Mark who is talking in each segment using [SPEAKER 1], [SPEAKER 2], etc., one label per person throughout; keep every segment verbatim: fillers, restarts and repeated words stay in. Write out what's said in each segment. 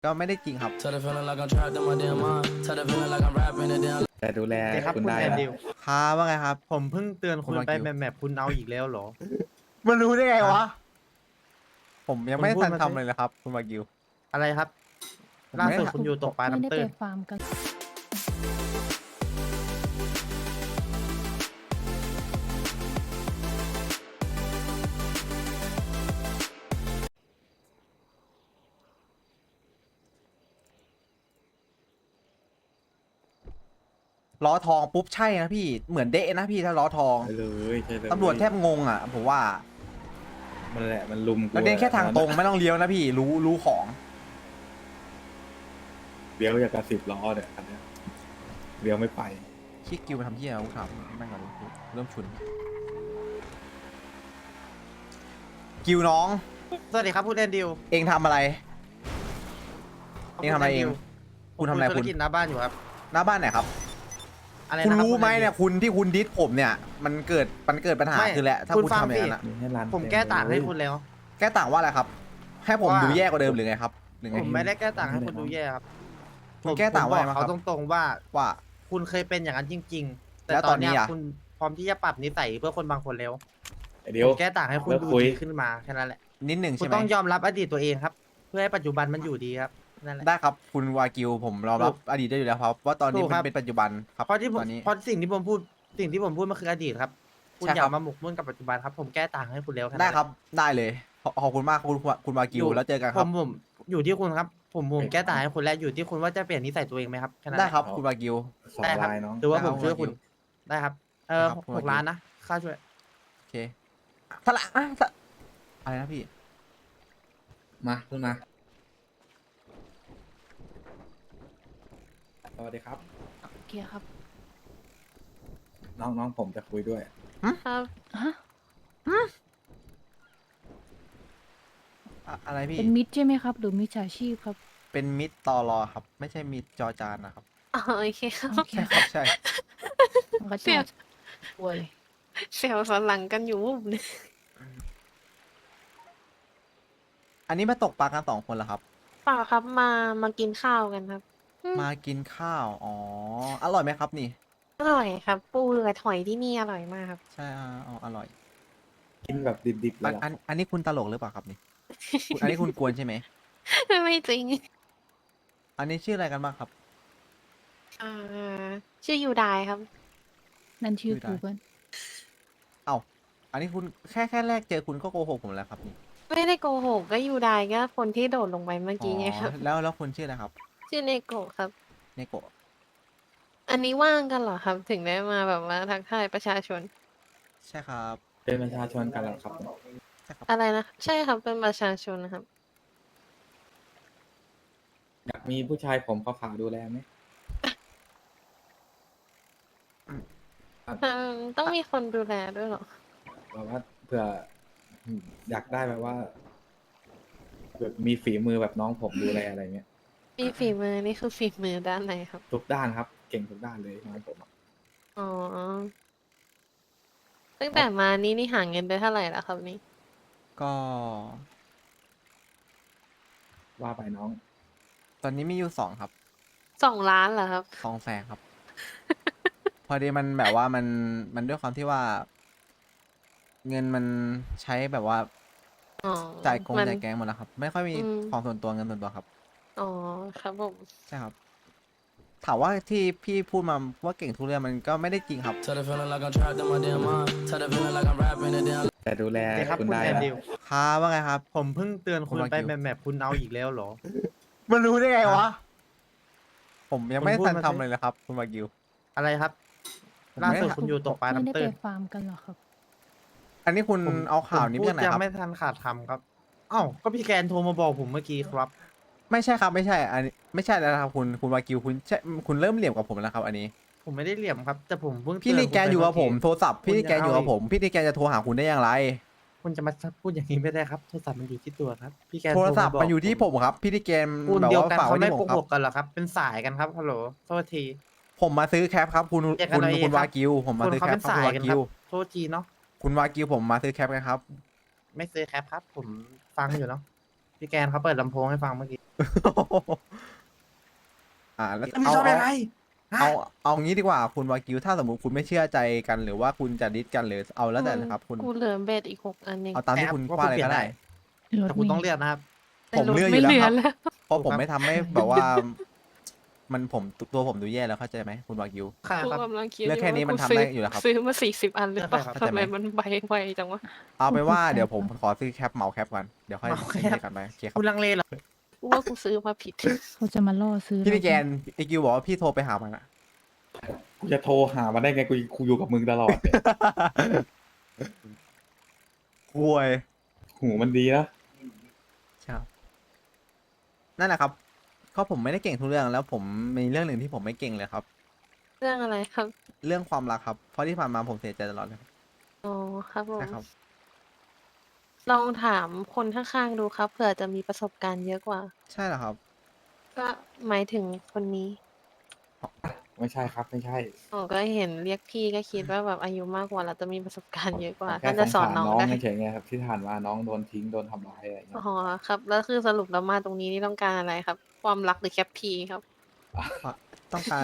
[SPEAKER 1] ก็ไม่ได้จริงครับ
[SPEAKER 2] แต่ดูแล
[SPEAKER 3] เดี๋ยวครับ
[SPEAKER 2] คุณ
[SPEAKER 3] คุณ
[SPEAKER 2] ได้
[SPEAKER 3] แอน
[SPEAKER 2] นะ
[SPEAKER 3] ดิว
[SPEAKER 1] ครับว่าไงครับ
[SPEAKER 3] ผมเพิ่งเตือนคุณ
[SPEAKER 1] คุณวา
[SPEAKER 3] ไป
[SPEAKER 1] กิว
[SPEAKER 3] แมปๆคุณเอาอีกแล้วเหรอ
[SPEAKER 1] มันรู้ได้ไงวะ ผมยังไม่
[SPEAKER 3] คุณพูด
[SPEAKER 1] ทัน
[SPEAKER 3] มาสิ
[SPEAKER 1] ทำเลยนะครับ คุณวากิว
[SPEAKER 3] อะไรครับ
[SPEAKER 1] ผม
[SPEAKER 3] ล่า
[SPEAKER 1] ไม่
[SPEAKER 3] สุด
[SPEAKER 1] ได้
[SPEAKER 3] คุณอยู่ตกปลา
[SPEAKER 4] ไม่ได้
[SPEAKER 3] น้ำ
[SPEAKER 4] ไป
[SPEAKER 3] ตื้น
[SPEAKER 4] ฟาร์มกัน
[SPEAKER 1] ล้อทองปุ๊บใช่นะพี่เหมือนเดะนะพี่ถ้าล้อทอง
[SPEAKER 2] ใช่เลยใช่เลย
[SPEAKER 1] ตำรวจแทบงงอ่ะผมว่า
[SPEAKER 2] มันแหละมันลุมกู
[SPEAKER 1] แล้วเดินแค่ทางตรงไม่ต้องเลี้ยวนะพี่รู้รู้ของ
[SPEAKER 2] เลี้ยวอย่างกับสิบล้อเนี่ยอันเนี้ยเลี้ยวไม่ไป
[SPEAKER 1] คิดกิวมาทำที่อะไรกูถามแม่งก่อนเริ่มฉุน กิวน้อง
[SPEAKER 3] สวัสดีครับคุณแอนดิว
[SPEAKER 1] เองทำอะไร เองทำอะไรเอง คุณทำอะไร
[SPEAKER 3] ผม
[SPEAKER 1] คุณ
[SPEAKER 3] ธุรกิจหน้าบ้านอยู่ครับ
[SPEAKER 1] หน้าบ้านไหนครับ
[SPEAKER 3] อะไร
[SPEAKER 1] คุณ
[SPEAKER 3] นะบ
[SPEAKER 1] รู้ไหม
[SPEAKER 3] ณแอนดิว
[SPEAKER 1] เนี่ยคุณที่คุณดิสผมเนี่ย มันเกิดมันเกิดปัญหา
[SPEAKER 3] ไม่
[SPEAKER 1] คือแหละถ้า
[SPEAKER 3] คุณ
[SPEAKER 1] คุณ
[SPEAKER 3] ฟัง
[SPEAKER 1] ทำอย่างนั้น
[SPEAKER 3] สิ
[SPEAKER 1] อะ
[SPEAKER 2] มีให้ร้าน
[SPEAKER 3] ผมแก้ต่างให้คุณแล้ว
[SPEAKER 1] แก้ต่างว่าอะไรครับ ให้ผม
[SPEAKER 3] ว่า
[SPEAKER 1] ดูแย่กว่าเดิมหรือไงครับหรือไง
[SPEAKER 3] ผมไม่ได้แก้ต่างให้คุณดูแย่ครับ
[SPEAKER 1] คุณแก้ต่างว่า
[SPEAKER 3] ผม
[SPEAKER 1] ไง
[SPEAKER 3] บอก
[SPEAKER 1] บ้างครับ
[SPEAKER 3] เขาตรงๆว่า
[SPEAKER 1] ว่า
[SPEAKER 3] คุณเคยเป็นอย่างนั้นจริง ๆ แต่
[SPEAKER 1] แล้ว
[SPEAKER 3] ต
[SPEAKER 1] ต
[SPEAKER 3] อ
[SPEAKER 1] อน นนี้
[SPEAKER 3] เนี้ย
[SPEAKER 1] อะ
[SPEAKER 3] คุณพร้อมที่จะปรับนิสัยเพื่อคนบางคนแล้ว
[SPEAKER 2] เดี๋ยว
[SPEAKER 3] ผมแก้ต่างให้คุณ
[SPEAKER 2] เลิก
[SPEAKER 3] ดู
[SPEAKER 2] คุย
[SPEAKER 3] ดีขึ้นมาแค่นั้นแหละ
[SPEAKER 1] นิดหนึ่ง
[SPEAKER 3] คุณ
[SPEAKER 1] ใช่ไหม
[SPEAKER 3] ต้องยอมรับอดีตตัวเองครับ เพื่อให้ปัจจุบันมันอยู่ดีครับนั่นแหละ
[SPEAKER 1] ได้ครับคุณวากิวผมรอรับ
[SPEAKER 3] ถูก
[SPEAKER 1] อดีตได้อยู่แล้วครับว่าตอนนี้
[SPEAKER 3] ถูก
[SPEAKER 1] มั
[SPEAKER 3] ครั
[SPEAKER 1] น
[SPEAKER 3] บ
[SPEAKER 1] เป็นปัจจุบันครับ
[SPEAKER 3] เพราะที่ผม
[SPEAKER 1] ตอนนี้
[SPEAKER 3] เพราะสิ่งที่ผมพูดสิ่งที่ผมพูดมันคืออดีตครับ คุณ
[SPEAKER 1] ใช่
[SPEAKER 3] อย่า
[SPEAKER 1] ครับ
[SPEAKER 3] มาหมกมุ่นกับปัจจุบันครับผมแก้ต่างให้คุณแล้วแนั้น
[SPEAKER 1] ได้
[SPEAKER 3] แหละ
[SPEAKER 1] ครับได้เลยขอขอบคุณมากคุณคุณวากิวแล้วเจอกันค
[SPEAKER 3] ผ
[SPEAKER 1] รับ
[SPEAKER 3] มผมอยู่ที่คุณครับ ผมผมแก้ต่างให้คุณแล้วอยู่ที่คุณว่าจะเปลี่ยนนิสัยตัวเองไหมครับแค่นั้นแห
[SPEAKER 1] ได้
[SPEAKER 3] ละ
[SPEAKER 1] ครับคุณวากิว
[SPEAKER 2] สอง
[SPEAKER 3] ได้ครับ
[SPEAKER 2] ลายน้อง
[SPEAKER 3] หรือว่า
[SPEAKER 1] ได้
[SPEAKER 3] ผ
[SPEAKER 1] ครับ
[SPEAKER 3] มช่วยคุณ
[SPEAKER 1] คุณวากิว
[SPEAKER 3] ได้ครับ เออ
[SPEAKER 1] ได้ครับคุณ
[SPEAKER 3] ห
[SPEAKER 1] วากิ
[SPEAKER 3] ก
[SPEAKER 1] ว
[SPEAKER 3] ล้านนะค่าช่วย
[SPEAKER 1] โอเคสละอ่ะสละอะไรนะพี่
[SPEAKER 2] มาขึ้นมาสวัสดีครับ
[SPEAKER 4] โอเคครับ
[SPEAKER 2] น้องน้องผมจะคุยด้วย
[SPEAKER 4] ครับ ฮะ
[SPEAKER 1] อะอะไรพี่
[SPEAKER 4] เป็นมิตรใช่ไหมครับ หรือมิจฉาชีพครับ
[SPEAKER 1] เป็นมิดตอรอครับ ไม่ใช่มิดจอจานนะครับ
[SPEAKER 5] อ๋อโอเคครับ
[SPEAKER 4] โอเค
[SPEAKER 1] ใช่
[SPEAKER 4] ค
[SPEAKER 1] ครับ รับใช่
[SPEAKER 4] มันก็
[SPEAKER 5] เสี
[SPEAKER 4] จะ
[SPEAKER 5] ย
[SPEAKER 4] ป่วย
[SPEAKER 5] เสียวสันหลังกันอยู่วุบเลย
[SPEAKER 1] อันนี้มาตกปลากันสองคนเหรอครับ
[SPEAKER 5] เปล่าครับมามากินข้าวกันครับ อืม
[SPEAKER 1] มากินข้าวอ๋ออร่อยไหมครับนี่
[SPEAKER 5] อร่อยครับ ปูเรือหอยที่นี่อร่อยมากครับ
[SPEAKER 1] ใช่อ่าอ๋ออร่อย
[SPEAKER 2] กินแบบดิบๆเล
[SPEAKER 1] อั
[SPEAKER 2] ย
[SPEAKER 1] น
[SPEAKER 2] เหรอ
[SPEAKER 1] อันอันนี้คุณตลกหรือเปล่าครับนี่ คุณอันนี้คุณกวนใช่ไหม
[SPEAKER 5] ไม่จริง
[SPEAKER 1] อันนี้ชื่ออะไรกันบ้างครับ
[SPEAKER 5] อ่าชื่อยูไดครับ
[SPEAKER 4] นั่นชื่อ
[SPEAKER 1] ชื่อได้
[SPEAKER 4] Google
[SPEAKER 1] เอ้าอันนี้คุณแค่แค่แรกเจอคุณก็โกหกผมแล้วครับนี่
[SPEAKER 5] ไม่ได้โกหกก็ยูไดก็คนที่โดดลงไปเมื่อกี้ไงครับ
[SPEAKER 1] อ๋อแล้วแล้วคุณชื่ออะไรครับ
[SPEAKER 5] ชื่อเนโกะครับ
[SPEAKER 1] เนโกะ
[SPEAKER 5] อันนี้ว่างกันเหรอครับ ถึงได้มาแบบว่าทักทายประชาชน
[SPEAKER 1] ใช่ครับ
[SPEAKER 2] เป็นประชาชนกันเหรอครับ
[SPEAKER 1] ใช่ครับ
[SPEAKER 5] อะไรนะ ใช่ครับเป็นประชาชนนะครับ
[SPEAKER 2] อยากมีผู้ชายผมขาวๆดูแลไหม
[SPEAKER 5] อืมต้องมีคนดูแลด้วยเหรอ
[SPEAKER 2] แบบว่าเผื่ออยากได้แบบว่าแบบมีฝีมือแบบน้องผมดูแลอะไรเงี้ย
[SPEAKER 5] มีฝีมือนี่คือฝีมือด้านไหนครับ
[SPEAKER 2] ทุกด้านครับ เก่งทุกด้านเลยน้องผมอะ
[SPEAKER 5] อ๋อ ตั้งแต่มานี่นี่หาเงินได้เท่าไหร่แล้วครับนี่
[SPEAKER 1] ก็
[SPEAKER 2] ว่าไปน้อง
[SPEAKER 1] ตอนนี้มีอยู่สองครับ
[SPEAKER 5] สองล้านเหรอครับ
[SPEAKER 1] สองแสนครับ พอดีมันแบบว่ามันมันด้วยความที่ว่า เงินมันใช้แบบว่า
[SPEAKER 5] อ๋อ
[SPEAKER 1] จ่ายกง
[SPEAKER 5] มัน
[SPEAKER 1] จ่ายแกงหมดแล้วครับ ไม่ค่อยมี
[SPEAKER 5] อืม
[SPEAKER 1] ของส่วนตัวเงินส่วนตัวครับ
[SPEAKER 5] อ๋อ ครับผม
[SPEAKER 1] ใช่ครับ ถามว่าที่พี่พูดมาว่าเก่งทุกเรื่องมันก็ไม่ได้จริงครับ
[SPEAKER 2] แต่ดูแล
[SPEAKER 3] เดี๋ยวครับ
[SPEAKER 2] คุณ
[SPEAKER 3] คุณ
[SPEAKER 2] ได้
[SPEAKER 3] แอน
[SPEAKER 2] นะ
[SPEAKER 3] ดิว
[SPEAKER 1] ครับว่าไงครับ
[SPEAKER 3] ผมเพิ่งเตือนคุณ
[SPEAKER 1] คุณวา
[SPEAKER 3] ไป
[SPEAKER 1] กิว
[SPEAKER 3] แมปๆคุณเอาอีกแล้วเหรอ
[SPEAKER 1] มันรู้ได้ไงวะ ผมยังไม่
[SPEAKER 3] คุณพูด
[SPEAKER 1] ทัน
[SPEAKER 3] มาสิ
[SPEAKER 1] ทำเลยนะครับ คุณวากิว
[SPEAKER 3] อะไรครับ
[SPEAKER 1] ผม
[SPEAKER 3] ล่า
[SPEAKER 1] ไม่
[SPEAKER 3] สุด
[SPEAKER 1] ได้
[SPEAKER 3] คุณอยู่ตกปลา
[SPEAKER 4] ไม่ได้
[SPEAKER 3] น้ำ
[SPEAKER 4] ไป
[SPEAKER 3] ตื้น
[SPEAKER 4] ฟาร์มกันเหรอครับ
[SPEAKER 1] อันนี้คุณ
[SPEAKER 3] ผม
[SPEAKER 1] เอาข่าว
[SPEAKER 3] ผม
[SPEAKER 1] นี้
[SPEAKER 3] พู
[SPEAKER 1] มา
[SPEAKER 3] ด
[SPEAKER 1] จากไหน
[SPEAKER 3] ยั
[SPEAKER 1] ครับ
[SPEAKER 3] ไม่ทันขาดคำครับอ้าวก็พี่แกนโทรมาบอกผมเมื่อกี้ครับ
[SPEAKER 1] ไม่ใช่ครับไม่ใช่ อันนี้ไม่ใช่แล้วนะครับคุณคุณวากิวคุณใช่คุณเริ่มเหลี่ยมกับผมแล้วครับ อันนี้
[SPEAKER 3] ผมไม่ได้เหลี่ยมครับ แต่ผมเพิ่ง
[SPEAKER 1] พี่
[SPEAKER 3] เตื
[SPEAKER 1] ลีแกน
[SPEAKER 3] คุณไป
[SPEAKER 1] อยู่กับผม
[SPEAKER 3] เมื่
[SPEAKER 1] โทรศัพท์พี่ลีแกนอยู่กับ
[SPEAKER 3] คุณจะเอา
[SPEAKER 1] ผม พี่ลีแกนจะโทรหาคุณได้อย่างไร
[SPEAKER 3] คุณจะมาพูดอย่างนี้ไม่ได้ครับ โทรศัพท์มันอยู่ที่ตัวครับ พี่แกน
[SPEAKER 1] โทรศัพท์
[SPEAKER 3] าบก
[SPEAKER 1] มันอยู่ที่ผมครับ พี่ลีแกน
[SPEAKER 3] คุณ
[SPEAKER 1] แบบ
[SPEAKER 3] เดียว
[SPEAKER 1] ว่า
[SPEAKER 3] กัน
[SPEAKER 1] ฝาก
[SPEAKER 3] เขา
[SPEAKER 1] ไว้
[SPEAKER 3] ไม่
[SPEAKER 1] ที่ผ
[SPEAKER 3] โก
[SPEAKER 1] มครั
[SPEAKER 3] ห
[SPEAKER 1] บ
[SPEAKER 3] กกันเหรอครับ เป็นสายกันครับฮัลโหลโทษที
[SPEAKER 1] ผมมาซื้อแคปครับ คุณ
[SPEAKER 3] แยกกั
[SPEAKER 1] คุ
[SPEAKER 3] น
[SPEAKER 1] ณ
[SPEAKER 3] เอาเอง
[SPEAKER 1] คุณ
[SPEAKER 3] ครับ
[SPEAKER 1] วากิว ผมมา
[SPEAKER 3] คน
[SPEAKER 1] ซื้อ
[SPEAKER 3] เขา
[SPEAKER 1] แคป
[SPEAKER 3] เป็น
[SPEAKER 1] ครับ
[SPEAKER 3] สา
[SPEAKER 1] คุณ
[SPEAKER 3] ยว
[SPEAKER 1] า
[SPEAKER 3] กันค
[SPEAKER 1] กิ
[SPEAKER 3] รับ
[SPEAKER 1] ว
[SPEAKER 3] โทษทีเนาะ
[SPEAKER 1] คุณวากิวผมมาซื้อแคปกันครับ
[SPEAKER 3] ไม่ซื้อแคปครับ ผมฟังอยู่เนาะพี่แกนเขาเปิดลำโพงให้ฟังเมื่อกี้
[SPEAKER 1] อ่าแล้ว
[SPEAKER 3] ไม่
[SPEAKER 1] เอา
[SPEAKER 3] ชอบอะไร
[SPEAKER 1] เอาเอาเอางี้ดีกว่าคุณวากิวถ้าสมมติคุณไม่เชื่อใจกันหรือว่าคุณจะดิสกันหรือเอาแล้วแต่นะครับ คุณ
[SPEAKER 5] กูเหลือเบ็ดอีกหกอันเอง
[SPEAKER 1] เอาตามที่คุณ
[SPEAKER 3] แต่ว่า
[SPEAKER 1] ว่าอะไร
[SPEAKER 3] คุณเปลี่ย
[SPEAKER 1] ก็
[SPEAKER 3] น
[SPEAKER 1] ได้
[SPEAKER 3] ได้
[SPEAKER 4] รถ
[SPEAKER 3] แต่คุณ
[SPEAKER 4] เม
[SPEAKER 3] ต้อง
[SPEAKER 4] ล์
[SPEAKER 3] เลือกนะครับ
[SPEAKER 1] ผมเลือกอ
[SPEAKER 5] ไม่
[SPEAKER 1] ยู่
[SPEAKER 5] เห
[SPEAKER 1] แล้ว
[SPEAKER 5] ลื
[SPEAKER 1] ค
[SPEAKER 5] อ
[SPEAKER 1] รับ
[SPEAKER 5] แล้ว
[SPEAKER 1] เพราะผม
[SPEAKER 3] ถูกครับ
[SPEAKER 1] ไม่ทำให้แบบว่า มันผมตัวผมดูแย่แล้วเข้าใจไหมคุณวากิว
[SPEAKER 3] ค่ะ
[SPEAKER 5] กู
[SPEAKER 3] ครับ
[SPEAKER 5] กำลังคิด
[SPEAKER 1] เรื่องแค่นี้มัน
[SPEAKER 5] กู
[SPEAKER 1] ทำ
[SPEAKER 5] ซื้
[SPEAKER 1] ได้อยู่แล้วครับ
[SPEAKER 5] ซื้อมาสี่สิบอันหรือเปล่า
[SPEAKER 3] เข้าใจ
[SPEAKER 5] ทำไม
[SPEAKER 1] ไหม
[SPEAKER 5] มันใบไวจังวะ
[SPEAKER 1] เอาไปนว่า
[SPEAKER 4] โอ้โห
[SPEAKER 1] เดี๋ยวผมขอซื้อแคปเหมาแคปก่อนเดี๋ยวค่อย
[SPEAKER 3] เหมาแคป
[SPEAKER 1] เล่นกันไปโอเคครั
[SPEAKER 3] คุ
[SPEAKER 1] บ
[SPEAKER 3] ณลังเลเหรอ
[SPEAKER 5] กูว่ากูซื้อมาผิด
[SPEAKER 4] เขาจะมาล่อซื้อ
[SPEAKER 1] พี่พี่แก
[SPEAKER 4] เรา
[SPEAKER 1] นไอกิวบอกว่าพี่โทรไปหามันอะ
[SPEAKER 2] กูจะโทรหามันได้ไงกูกูอยู่กับมึงตลอดเนี่ย
[SPEAKER 1] คุย
[SPEAKER 2] หูมันดีนะ
[SPEAKER 1] ครับนั่นแหละครับก็ผมไม่ได้เก่งทุกเรื่องแล้วผมมีเรื่องหนึ่งที่ผมไม่เก่งเลยครับ
[SPEAKER 5] เรื่องอะไรครับ
[SPEAKER 1] เรื่องความรักครับเพราะที่ผ่านมาผมเสียใจตลอดเลยครับ
[SPEAKER 5] อ๋อครับผม
[SPEAKER 1] ใช่ครับ
[SPEAKER 5] ลองถามคนข้างๆดูครับเผื่อจะมีประสบการณ์เยอะกว่า
[SPEAKER 1] ใช่เหรอครับ
[SPEAKER 5] ก็หมายถึงคนนี้
[SPEAKER 2] ไม่ใช่ครับไม่ใช่
[SPEAKER 5] อ๋อก็เห็นเรียกพี่ก็คิดว่าแบบอายุมากกว่าเราจะมีประสบการณ์เยอะกว่า
[SPEAKER 2] แค่
[SPEAKER 5] น่าจะสอน
[SPEAKER 2] สงสาร
[SPEAKER 5] น้อง
[SPEAKER 2] น้อง
[SPEAKER 5] ได้
[SPEAKER 2] เฉยๆไงครับที่ผ่านมาน้องโดนทิ้งโดนทำร้ายอะไรอย่างเงี้ย
[SPEAKER 5] อ๋อครับ แล้วคือสรุปแล้วมาตรงนี้นี่ต้องการอะไรครับ ความรักหรือแคปพีครับ
[SPEAKER 1] ต้องการ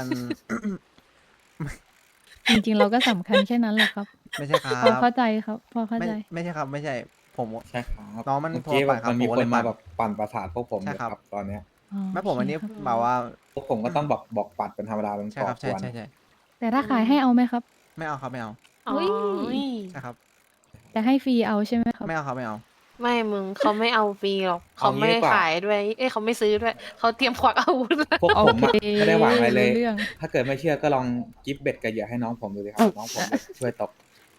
[SPEAKER 4] จริงๆ เราก็สำคัญแค่นั้นแหละครับ
[SPEAKER 1] ไม่ใช่ครั
[SPEAKER 4] พอบ เข้าใจครับ พอเข้า
[SPEAKER 1] ไม่
[SPEAKER 4] ใจ
[SPEAKER 1] ไม่ใช่ครับ ไม่ใช่ผม
[SPEAKER 2] ใช่ครับ
[SPEAKER 1] น้องมัน
[SPEAKER 2] เมื่อกี้
[SPEAKER 1] โทร
[SPEAKER 2] แบ
[SPEAKER 1] ไป
[SPEAKER 2] บ
[SPEAKER 1] ครับ
[SPEAKER 2] มันมี
[SPEAKER 1] ผม
[SPEAKER 2] ค
[SPEAKER 1] ก็เล
[SPEAKER 2] น
[SPEAKER 1] ย
[SPEAKER 2] มา
[SPEAKER 1] ปั่น
[SPEAKER 2] แบบปั่นประสาทพวกผม
[SPEAKER 1] ใช่
[SPEAKER 2] อยู่
[SPEAKER 1] ครับ
[SPEAKER 2] ครับตอนเนี้ย
[SPEAKER 4] อ๋อ
[SPEAKER 1] ไม่ผม
[SPEAKER 4] โอ
[SPEAKER 1] อัน
[SPEAKER 4] เค
[SPEAKER 1] นี้
[SPEAKER 4] ครับ
[SPEAKER 1] แบบว่า
[SPEAKER 2] พวกผมก็ต้องบอกบอกปัดเป็นธรรมดาเป็น
[SPEAKER 1] ใช่
[SPEAKER 2] ก่อ
[SPEAKER 1] ครับ
[SPEAKER 2] ก
[SPEAKER 1] ใช่
[SPEAKER 2] วน
[SPEAKER 1] ใช่ใช่
[SPEAKER 4] แต่ถ้าขายให้เอาไหมครับ
[SPEAKER 1] ไม่เอาครับไม่เอา
[SPEAKER 5] อ๋อ
[SPEAKER 4] อุ๊ย
[SPEAKER 1] ใช่ครับ
[SPEAKER 4] แต่ให้ฟรีเอาใช่ไหมครับ
[SPEAKER 1] ไม่เอาครับไม่เอา
[SPEAKER 5] ไม่มึงเขาไม่เอาฟรีหรอกเขาไม่
[SPEAKER 2] เอางี้ดีกว่า
[SPEAKER 5] ขายด้วย เอ้ยเขาไม่ซื้อด้วยเขาเตรียมควักอาวุธแล้ว
[SPEAKER 2] พวกผมอะ
[SPEAKER 4] โอเค
[SPEAKER 2] ไม่ได้หวังอะไรเลย
[SPEAKER 4] รู้เรื่อง
[SPEAKER 2] ถ้าเกิดไม่เชื่อก็ลองกิฟต์เบ็ดกับเหยื่อให้น้องผมดูดิครับน้องผมจะช่วยตก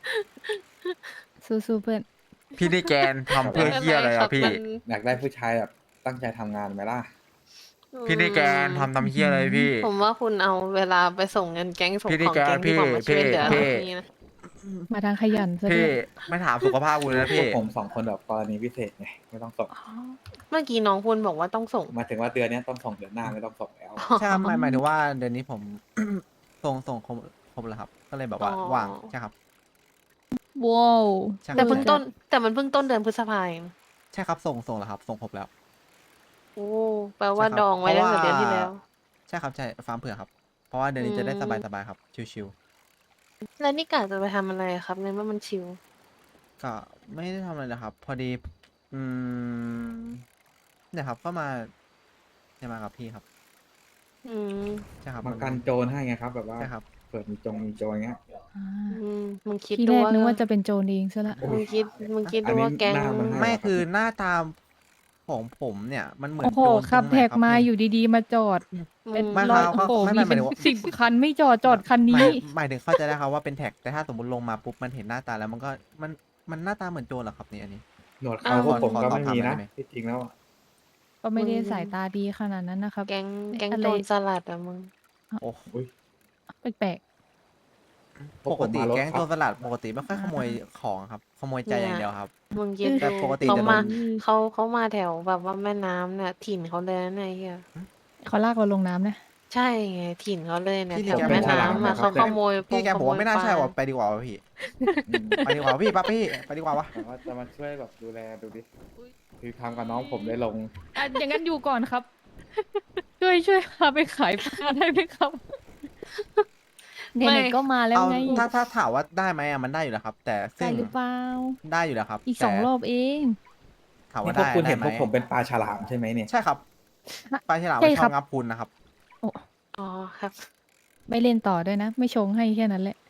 [SPEAKER 4] สู้ๆเพื่อน
[SPEAKER 1] พี่นี่แกนทำเพื่อเฮียอะไร
[SPEAKER 5] ม่
[SPEAKER 1] อ่ะ
[SPEAKER 5] ป็
[SPEAKER 1] พี่
[SPEAKER 5] นไรคบ
[SPEAKER 2] อยากได้ผู้ชายแบบตั้งใจทำงานไหมล่ะ
[SPEAKER 5] มัน
[SPEAKER 1] พี่นี่แกนทำทำเฮียอะไรพี่
[SPEAKER 5] ผมว่าคุณเอาเวลาไปส่งเงินแก๊งส่ง
[SPEAKER 1] พี่นี่
[SPEAKER 5] ของ
[SPEAKER 1] แก
[SPEAKER 5] แก๊งที่
[SPEAKER 1] พี่
[SPEAKER 5] ผมมาช่วยเหลือ
[SPEAKER 1] พี่
[SPEAKER 5] นี่นะ
[SPEAKER 4] มาทางขยันซะด้
[SPEAKER 1] พี่
[SPEAKER 4] วย
[SPEAKER 1] ไม่ถามสุขภาพกูเลยนะ
[SPEAKER 2] พว
[SPEAKER 1] พี่
[SPEAKER 2] กผมสองคนแบบกรณีพิเศษไงไม่ต้องส่ง
[SPEAKER 4] อ๋อ
[SPEAKER 5] เมื่อกี้น้องคุณบอกว่าต้องส่ง
[SPEAKER 2] หมายถึงว่าเดือนเนี้ยต้องส่งเดือนหน้าไม่ต้องส่งแล้ว
[SPEAKER 1] ใช่ครับหมายหมายถึงว่าเดือนนี้ผม ส่งส่งครบครบแล้วครับ ก็เลยแบบว่า
[SPEAKER 5] อ๋อ
[SPEAKER 1] ว่างใช่ครับ
[SPEAKER 4] ว้าว
[SPEAKER 1] ใช่ค
[SPEAKER 5] แต่
[SPEAKER 1] รับ
[SPEAKER 5] เพิ่งต้น แต่มันเพิ่งต้นเดือนพฤษภาเอง
[SPEAKER 1] ใช่ครับส่งส่งแล้วครับ ส่งครบแล้ว
[SPEAKER 5] โอ้แปลว่า
[SPEAKER 1] ใช่ครับ
[SPEAKER 5] ดองไว้ตั้งแต่
[SPEAKER 1] เพ
[SPEAKER 5] เดือ
[SPEAKER 1] ราะ
[SPEAKER 5] น
[SPEAKER 1] ว่า
[SPEAKER 5] ที่แล้ว
[SPEAKER 1] ใช่ครับใช่ฟาร์มเผื่อครับ เพราะว่าเดือนนี้จะได้
[SPEAKER 5] อืม
[SPEAKER 1] สบายสบายๆครับ ชิว
[SPEAKER 5] แล้วนี่กะจะไปทำอะไรครับในเมื่อมันชิว
[SPEAKER 1] ๆก็ไม่ได้ทำอะไรนะครับ พอดี อืมเนี่ยครับก็มาเนี่ยมากับพี่ครับ
[SPEAKER 5] อืม
[SPEAKER 1] ใช่ครับ
[SPEAKER 2] มากันโจรให้ไงครับ แบบว่า
[SPEAKER 1] ใช่ครับ
[SPEAKER 2] เปิดมีจงมีโจรเงี้ย
[SPEAKER 4] อ่า
[SPEAKER 5] อืมมึงคิด
[SPEAKER 4] ที
[SPEAKER 5] ดู
[SPEAKER 4] แรก
[SPEAKER 5] ว่า
[SPEAKER 4] นึกว่าจะเป็นโจรเองซะละ
[SPEAKER 2] โอ้
[SPEAKER 5] มึ
[SPEAKER 2] ย
[SPEAKER 5] งคิดมึงคิด
[SPEAKER 2] อั
[SPEAKER 5] ดู
[SPEAKER 2] นนี้
[SPEAKER 5] ว่าแก๊ง
[SPEAKER 2] หน้ามันให้
[SPEAKER 1] ไม่คือหน้าตาของผมเนี่ย มันเหมือน
[SPEAKER 4] โอ้โห
[SPEAKER 1] โจร
[SPEAKER 4] ขับ
[SPEAKER 1] ตรงไหน
[SPEAKER 4] แท็ก
[SPEAKER 1] ครับ
[SPEAKER 4] มา
[SPEAKER 1] พี่
[SPEAKER 4] อยู่ดีๆ มาจอด เป็น
[SPEAKER 1] ไม่
[SPEAKER 4] ร้อย
[SPEAKER 1] ครับ
[SPEAKER 4] โอ้โห
[SPEAKER 1] ไม่
[SPEAKER 4] มี
[SPEAKER 1] ไม่หมาย
[SPEAKER 4] เป็น
[SPEAKER 1] ถึงว่า
[SPEAKER 4] สิบคันไม่จอดจอดคัน
[SPEAKER 1] ห
[SPEAKER 4] นี้
[SPEAKER 1] มายหมายถึงเข้าใจได้ครับว่าเป็นแท็ก แต่ถ้าสมมติลงมาปุ๊บมันเห็นหน้าตาแล้วมันก็มันมันหน้าตาเหมือนโจรเหรอครับนี่อันนี้
[SPEAKER 2] หนวดเขาพวกผม
[SPEAKER 1] ขอ
[SPEAKER 2] ก็
[SPEAKER 1] ขอ
[SPEAKER 2] ไม่มี
[SPEAKER 1] ถามหน่
[SPEAKER 2] นะ
[SPEAKER 1] อยได้ไหม
[SPEAKER 2] ที่จริงแล้วอะ
[SPEAKER 4] ก็ไม่ได้
[SPEAKER 5] มึง
[SPEAKER 4] สายตาดีขนาดนั้นนะครับ
[SPEAKER 5] แก๊งแก๊ง
[SPEAKER 4] อะไร
[SPEAKER 5] โจรสลัดอะมึง
[SPEAKER 1] โอ้
[SPEAKER 2] อุ้ย
[SPEAKER 4] แปลก
[SPEAKER 2] พว
[SPEAKER 1] ป
[SPEAKER 2] ก
[SPEAKER 1] ก
[SPEAKER 2] ผม
[SPEAKER 1] ติ
[SPEAKER 2] มารถ
[SPEAKER 1] แก๊ง
[SPEAKER 2] ขั
[SPEAKER 1] โจ
[SPEAKER 2] บ
[SPEAKER 1] รสลัดปกติไม่ค่อยขโมยของครับ ขโมยใจอย่างเดียวครับ
[SPEAKER 5] มึงคิด
[SPEAKER 1] แต่
[SPEAKER 5] ดู
[SPEAKER 1] ปกติ
[SPEAKER 5] เขา
[SPEAKER 1] จะโดน
[SPEAKER 5] มาเขาเขามาแถวแบบว่าแม่น้ำเนี่ยถิ่นเขาเลยนะเนี่ยเฮีย
[SPEAKER 4] ๆเขาลากเราลงน้ำนะ
[SPEAKER 5] ใช่ไงถิ่นเขาเลยเนี่ย
[SPEAKER 1] พี่
[SPEAKER 5] แถว
[SPEAKER 1] แก
[SPEAKER 5] แม่
[SPEAKER 1] เป็นฉลาม
[SPEAKER 5] น้ำ
[SPEAKER 1] นะ
[SPEAKER 5] อะ
[SPEAKER 1] ครั
[SPEAKER 5] เขา
[SPEAKER 1] บ
[SPEAKER 5] ขโมย
[SPEAKER 1] พี่แก
[SPEAKER 5] ข
[SPEAKER 1] ผม
[SPEAKER 5] โม
[SPEAKER 1] ว่าย ไม่น่า
[SPEAKER 5] ปล
[SPEAKER 1] ใช่ว่ะไปดีกว่าวะพี่
[SPEAKER 2] อืม
[SPEAKER 1] ไปดีกว่าพี่ปั๊บพี่ไปดีกว่าวะ
[SPEAKER 2] แต่ว่าจะมาช่วยแบบดูแลดูดิคือทำกับน้องผมได้ลง
[SPEAKER 4] อ่ะอย่างนั้นอยู่ก่อนครับ ช่วยช่วยพาไปขายปลาได้ไหมครับไหนๆก็มาแล้ว
[SPEAKER 1] เอา
[SPEAKER 4] ไง
[SPEAKER 1] ถ้าถ้าถามว่าได้ไหมอะมันได้อยู่แล้วครับ แต่
[SPEAKER 4] ได้
[SPEAKER 1] ซึ่ง
[SPEAKER 4] หรือเปล่า
[SPEAKER 1] ได้อยู่แล้วครับ
[SPEAKER 4] อีก
[SPEAKER 1] แต่
[SPEAKER 4] สองรอบเอง
[SPEAKER 1] ถาม
[SPEAKER 2] นี่
[SPEAKER 1] ว่า
[SPEAKER 2] พวก
[SPEAKER 1] ได้
[SPEAKER 2] คุณ
[SPEAKER 1] ได้
[SPEAKER 2] เห็น
[SPEAKER 1] ไห
[SPEAKER 2] พ
[SPEAKER 1] ม
[SPEAKER 2] วกผมเป็นปลาฉลามใช่ไหมเนี่ย
[SPEAKER 1] ใช่ครับปลาฉลาม
[SPEAKER 4] ใช่
[SPEAKER 1] ไม่ช
[SPEAKER 4] ครั
[SPEAKER 1] อบบ งับพุนนะครับ
[SPEAKER 5] อ๋อครับ
[SPEAKER 4] ไม่เล่นต่อด้วยนะ ไม่ชงให้แค่นั้นแหละ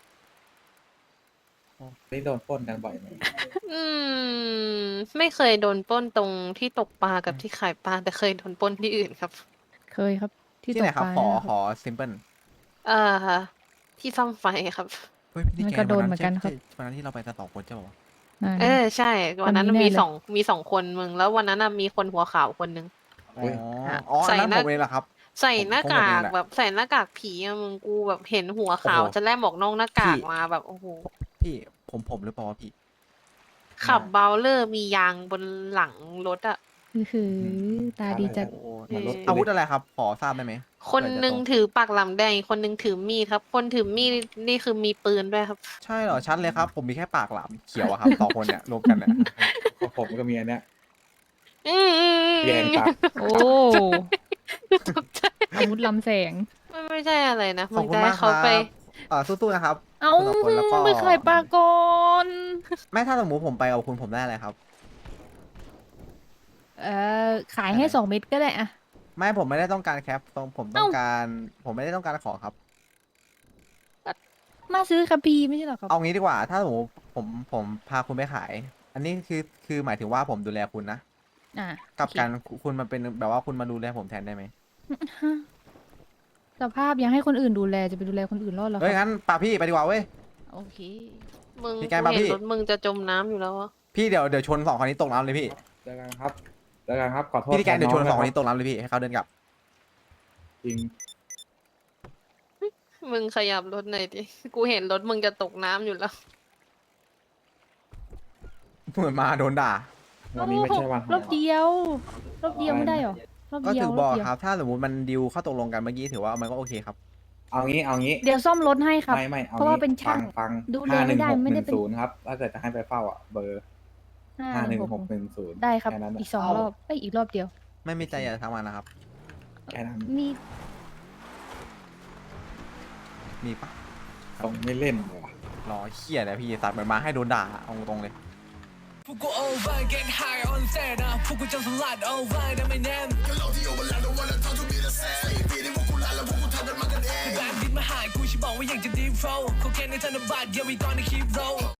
[SPEAKER 2] นี่โดนปล้นกันบ่อยไหม
[SPEAKER 5] อืม ไม่เคยโดนปล้นตรงที่ตกปลากับที่ขายปลาแต่เคยโดนปล้นที่อื่นครับ
[SPEAKER 4] เคยครับ ที่
[SPEAKER 1] ที่
[SPEAKER 4] ต
[SPEAKER 1] ไหน
[SPEAKER 4] ก
[SPEAKER 1] ครั
[SPEAKER 4] ป
[SPEAKER 1] บ
[SPEAKER 4] ลา
[SPEAKER 1] ขอ
[SPEAKER 4] เนี่ย
[SPEAKER 1] ขอซิมเปิล
[SPEAKER 5] เอ่อที่ซ่อมไฟครับ
[SPEAKER 1] เฮ้ยพี่
[SPEAKER 4] มัน
[SPEAKER 1] แก
[SPEAKER 4] ก็โดน
[SPEAKER 1] วั
[SPEAKER 4] เหมือนกันครับ
[SPEAKER 1] ใช่วันนั้นที่เราไปกันสองคนใช่ป่าวะ
[SPEAKER 4] อ่า
[SPEAKER 5] เออใช่ วันนั้น
[SPEAKER 4] วันนี้
[SPEAKER 5] มี
[SPEAKER 4] แน่เลย
[SPEAKER 5] สองมีสองคนมึง แล้ววันนั้นน่ะมีคนหัวขาวคนนึง
[SPEAKER 1] อ๋ออ๋อ
[SPEAKER 5] ใส่
[SPEAKER 1] อันนั้น
[SPEAKER 5] หน้า
[SPEAKER 1] ผมเองเหรอครับ
[SPEAKER 5] ใส่
[SPEAKER 1] ผม
[SPEAKER 5] หน้า
[SPEAKER 1] ผม
[SPEAKER 5] กา
[SPEAKER 1] เอง
[SPEAKER 5] ก
[SPEAKER 1] แหละ
[SPEAKER 5] แบบใส่หน้ากากผีอะมึงกูแบบเห็นหัวขาว
[SPEAKER 1] โอ้โห
[SPEAKER 5] จะแลบออกนอกหน้ากาก
[SPEAKER 1] พี่
[SPEAKER 5] มาแบบโอ้โห
[SPEAKER 1] พี่ผมผมหรือเปล่าวะพี่
[SPEAKER 5] ขับเบลเลอร์มียางบนหลังรถอะ
[SPEAKER 4] คือคือตาดีจัด
[SPEAKER 1] โอ้
[SPEAKER 5] เออ
[SPEAKER 1] อาวุธอะไรครับ ขอทราบได้ไหม
[SPEAKER 5] คน
[SPEAKER 1] เผื่อจะ
[SPEAKER 5] หนึ่ง
[SPEAKER 1] ตรง
[SPEAKER 5] ถือปากหลำแดงอีกคนหนึ่งถือมีดครับ คนถือมีดนี่คือมีปืนด้วยครับ
[SPEAKER 1] ใช่เหรอชัดเลยครับ ผมมีแค่ปากหลามเขียวอะครับ สองคนเนี่ยรวมกันเนี่ย
[SPEAKER 2] พวกผมก็มีอันเนี้ย
[SPEAKER 5] อืมอืมอืม
[SPEAKER 2] แยงตา
[SPEAKER 4] โอ้
[SPEAKER 5] ตกใจ
[SPEAKER 4] อาวุธลำแสง
[SPEAKER 5] ไม่ไม่ใช่อะไรนะ
[SPEAKER 1] ข
[SPEAKER 5] มึ
[SPEAKER 1] อบ
[SPEAKER 5] ง
[SPEAKER 1] คุณ
[SPEAKER 5] จะให้
[SPEAKER 1] มากค
[SPEAKER 5] เขา
[SPEAKER 1] รับ
[SPEAKER 5] ไป
[SPEAKER 1] เอ่อสู้ๆนะครับ
[SPEAKER 4] เอ้า
[SPEAKER 1] คุณสองคนแล้วก็
[SPEAKER 4] ไปขายปลาก่อน
[SPEAKER 1] ไม่ถ้าสมมติผมไปกับคุณผมได้อะไรครับ
[SPEAKER 4] เออขายให้สองเม็ดก็ได้อะ
[SPEAKER 1] ไม่ผมไม่ได้ต้องการแคปผมผมต้อง
[SPEAKER 4] เอ้า
[SPEAKER 1] การ ผมไม่ได้ต้องการของครับ
[SPEAKER 4] มาซื้อคัมภีร์ไม่ใช่เหรอครับ
[SPEAKER 1] เอางี้ดีกว่า ถ้าสมมติผมผมพาคุณไปขาย อันนี้คือคือหมายถึงว่าผมดูแลคุณนะ
[SPEAKER 4] อ่ะ
[SPEAKER 1] กับ
[SPEAKER 4] โอเค
[SPEAKER 1] การคุณมาเป็นแบบว่าคุณมาดูแลผมแทนได้ไหม
[SPEAKER 4] ฮะสภาพยังให้คนอื่นดูแลจะไปดูแลคนอื่นรอดเหรอค
[SPEAKER 1] เฮ้ย
[SPEAKER 4] รับ
[SPEAKER 1] งั้นป่าพี่ไปดีกว่าเว้ย
[SPEAKER 4] โอเค
[SPEAKER 5] มึง
[SPEAKER 1] พี่
[SPEAKER 5] กู
[SPEAKER 1] แกมา
[SPEAKER 5] เห็น
[SPEAKER 1] พี่
[SPEAKER 5] รถมึงจะจมน้ำอยู่แล้วอะ
[SPEAKER 1] พี่เดี๋ยวเดี๋ยวชนสองคนนี้ตกน้ำเลยพี่
[SPEAKER 2] เจอกันครับเจอกันครับ ขอโทษ
[SPEAKER 1] พี่ที่แกนเดี๋ยวชนสองคน
[SPEAKER 2] แท
[SPEAKER 1] นี้ตกน้ำเลยพี่ให้เขาเดินกลับ
[SPEAKER 2] จริง
[SPEAKER 5] มึงขยับรถหน่อยดิ กูเห็นรถมึงจะตกน้ำอยู่แล้ว
[SPEAKER 1] เหมือนมาโดนด่า
[SPEAKER 2] วันนี้ไม่ใช่วันของ
[SPEAKER 4] รอบเดียว รอบเดียวไม่ได้เหรอ รอบ
[SPEAKER 1] ก็
[SPEAKER 4] เดีย
[SPEAKER 1] ถึ
[SPEAKER 4] ว
[SPEAKER 1] ง
[SPEAKER 4] ร
[SPEAKER 1] บ
[SPEAKER 4] อ
[SPEAKER 1] อบ ก
[SPEAKER 4] เดียว
[SPEAKER 1] ครับ ถ้าสมมติมันดิวเข้าตกลงกันเมื่อกี้ถือว่ามันก็โอเคครับ
[SPEAKER 2] เอางี้เอางี้
[SPEAKER 4] เดี๋ยวซ่อมรถให้ครับ
[SPEAKER 2] ไม่ไม่เอา
[SPEAKER 4] เพราะว่า
[SPEAKER 2] งี้
[SPEAKER 4] เป็นช่าง
[SPEAKER 2] ฟังฟัง
[SPEAKER 4] ดูแล
[SPEAKER 2] ห้าห
[SPEAKER 4] ไม่
[SPEAKER 2] นึ่ง
[SPEAKER 4] ได้
[SPEAKER 2] หก
[SPEAKER 4] ไม่
[SPEAKER 2] ห
[SPEAKER 4] ได้
[SPEAKER 2] นึ่ง
[SPEAKER 4] เป็น
[SPEAKER 2] ศูนย์ครับ ถ้าเกิดจะให้ไปเฝ้าอ่ะ เบอร์
[SPEAKER 4] ห้า
[SPEAKER 2] ห้าหนึ่ง
[SPEAKER 4] ห
[SPEAKER 2] ห
[SPEAKER 4] ก
[SPEAKER 2] กหนึ่งศูนย์
[SPEAKER 4] ได้ครับ
[SPEAKER 2] แค่นั้น
[SPEAKER 4] อีกสองรอบเอ้ยอีกรอบเดียว
[SPEAKER 1] ไม่มีใจอยากจะทำงานนะครับ
[SPEAKER 2] แค่นั้น
[SPEAKER 4] มี
[SPEAKER 1] มีปะ
[SPEAKER 2] ต้องไม่เล่นเลยว่ะ
[SPEAKER 1] รอเขี้ยเลยพี่ตัดเหมือนมาให้โดนด่าเอาตรงๆเลย
[SPEAKER 6] พวกกู over get high on set นะพวกกูจะสลัด over นะไม่แน่แบนดินมาหายกูฉันบอกว่าอยากจะ deep flow เขาแค่ในธนบัตร yeah we gonna keep roll